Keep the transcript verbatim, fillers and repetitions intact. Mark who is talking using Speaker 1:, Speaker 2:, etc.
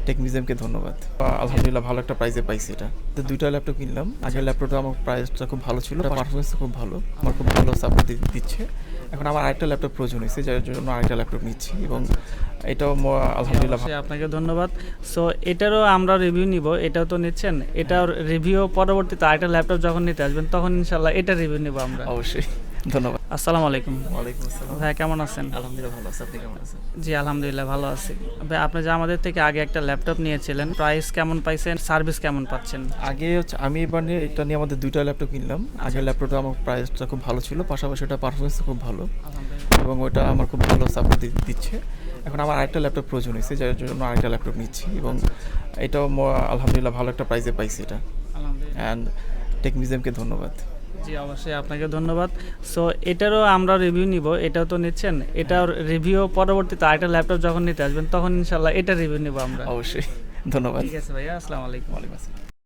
Speaker 1: Take মিউজিয়ামকে ধন্যবাদ। আলহামদুলিল্লাহ ভালো একটা প্রাইজে পাইছি এটা। তো দুইটা ল্যাপটপ কিনলাম। আগের ল্যাপটপটা আমার প্রাইসটা খুব ভালো ছিল, পারফরমেন্সটা খুব ভালো, আমার খুব ভালো সাপোর্ট দিচ্ছে। এখন আমার আরেকটা ল্যাপটপ প্রয়োজন হয়েছে, যার জন্য আরেকটা ল্যাপটপ নিচ্ছি এবং এটাও ম- আলহামদুলিল্লাহ ভালো।
Speaker 2: অবশ্যই আপনাকে ধন্যবাদ। সো এটারও আমরা রিভিউ নিব, এটাও তো নিচ্ছেন, এটার রিভিউ পরবর্তীতে আরেকটা ল্যাপটপ যখন নিতে আসবেন তখন ইনশাল্লাহ এটা রিভিউ নিব আমরা।
Speaker 1: অবশ্যই ধন্যবাদ।
Speaker 2: আসসালামু আলাইকুম
Speaker 1: ওয়ালাইকুম আসসালাম।
Speaker 2: ভাই, কেমন আছেন?
Speaker 1: আলহামদুলিল্লাহ ভালো আছে, আপনি কেমন আছেন?
Speaker 2: জি আলহামদুলিল্লাহ ভালো আছি। ভাই, আপনি যে আমাদের থেকে আগে একটা ল্যাপটপ নিয়েছিলেন, প্রাইস কেমন পাইছেন, সার্ভিস কেমন পাচ্ছেন?
Speaker 1: আগে হচ্ছে আমি এবার নিয়ে এটা নিয়ে আমাদের দুইটা ল্যাপটপ কিনলাম। আগের ল্যাপটপটা আমার প্রাইসটা খুব ভালো ছিল, পাশাপাশি ওটা পারফরমেন্সটা খুব ভালো এবং ওটা আমার খুব ভালো সাপোর্ট দিচ্ছে। এখন আমার আরেকটা ল্যাপটপ প্রয়োজন হয়েছে, যার জন্য আরেকটা ল্যাপটপ নিচ্ছি এবং এটাও ম- আলহামদুলিল্লাহ ভালো একটা প্রাইজে পাইছি এটা।
Speaker 2: আলহামদুলিল্লাহ।
Speaker 1: অ্যান্ড টেক মিউজিয়ামকে ধন্যবাদ।
Speaker 2: জি অবশ্যই আপনাকে ধন্যবাদ। সো এটারও আমরা রিভিউ নিব, এটাও তো নিচ্ছেন, এটার রিভিউ পরবর্তীতে আরেকটা ল্যাপটপ যখন নিতে আসবেন তখন ইনশাল্লাহ এটা রিভিউ নিব আমরা।
Speaker 1: অবশ্যই ধন্যবাদ।
Speaker 2: ঠিক আছে ভাইয়া, আসসালামু আলাইকুম।
Speaker 1: ওয়ালাইকুম আসসালাম।